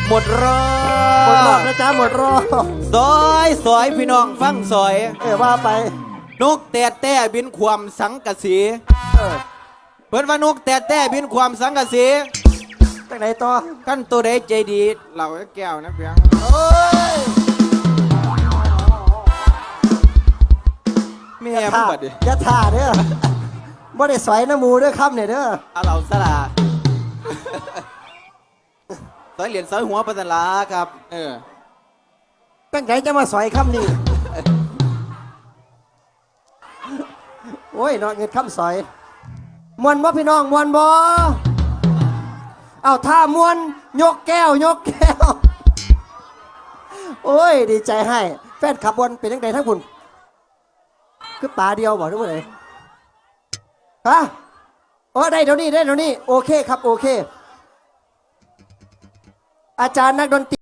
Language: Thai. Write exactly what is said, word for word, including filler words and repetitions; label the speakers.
Speaker 1: หมดรอ
Speaker 2: หมดรอบนะจ๊ะหมดรอบ
Speaker 1: ซอยซอยพี่น้องฟังซอย
Speaker 2: เออว่าไป
Speaker 1: นกแต่แต่บินความสังกะสี
Speaker 2: เออ
Speaker 1: เพิ่นว่านกแต่แต่บินความสังกะสี
Speaker 2: จากไหนต่อ
Speaker 1: ขั้นตัวใดใจดีเหล่าแก้วนะเพียง
Speaker 2: เอ้ย
Speaker 1: แม่
Speaker 2: อย่า
Speaker 1: มึง
Speaker 2: ท่า
Speaker 1: บัดดิ
Speaker 2: อย่าท่าเด้อบ่ได้สอยน้ำมูเด้อคำเนี่ยเด้อ
Speaker 1: เอาเหล่าสลา ซอยเหรียญซอยหัวปัสลาครับเออ
Speaker 2: ตั้งใจจะมาสอยคำนี้โอ้ยนอนเงินคำสอยมวนบ่พี่น้องมวนบ่เอาท่ามวนยกแก้วยกแก้วโอ้ยดีใจให้แฟนขับบอลเป็นยังไงทั้งคุณคือป่าเดียวบอกทุกคนเลยฮะโอ้ได้เดี๋ยวนี้ได้เดี๋ยวนี้โอเคครับโอเค อาจารย์นักดนตรี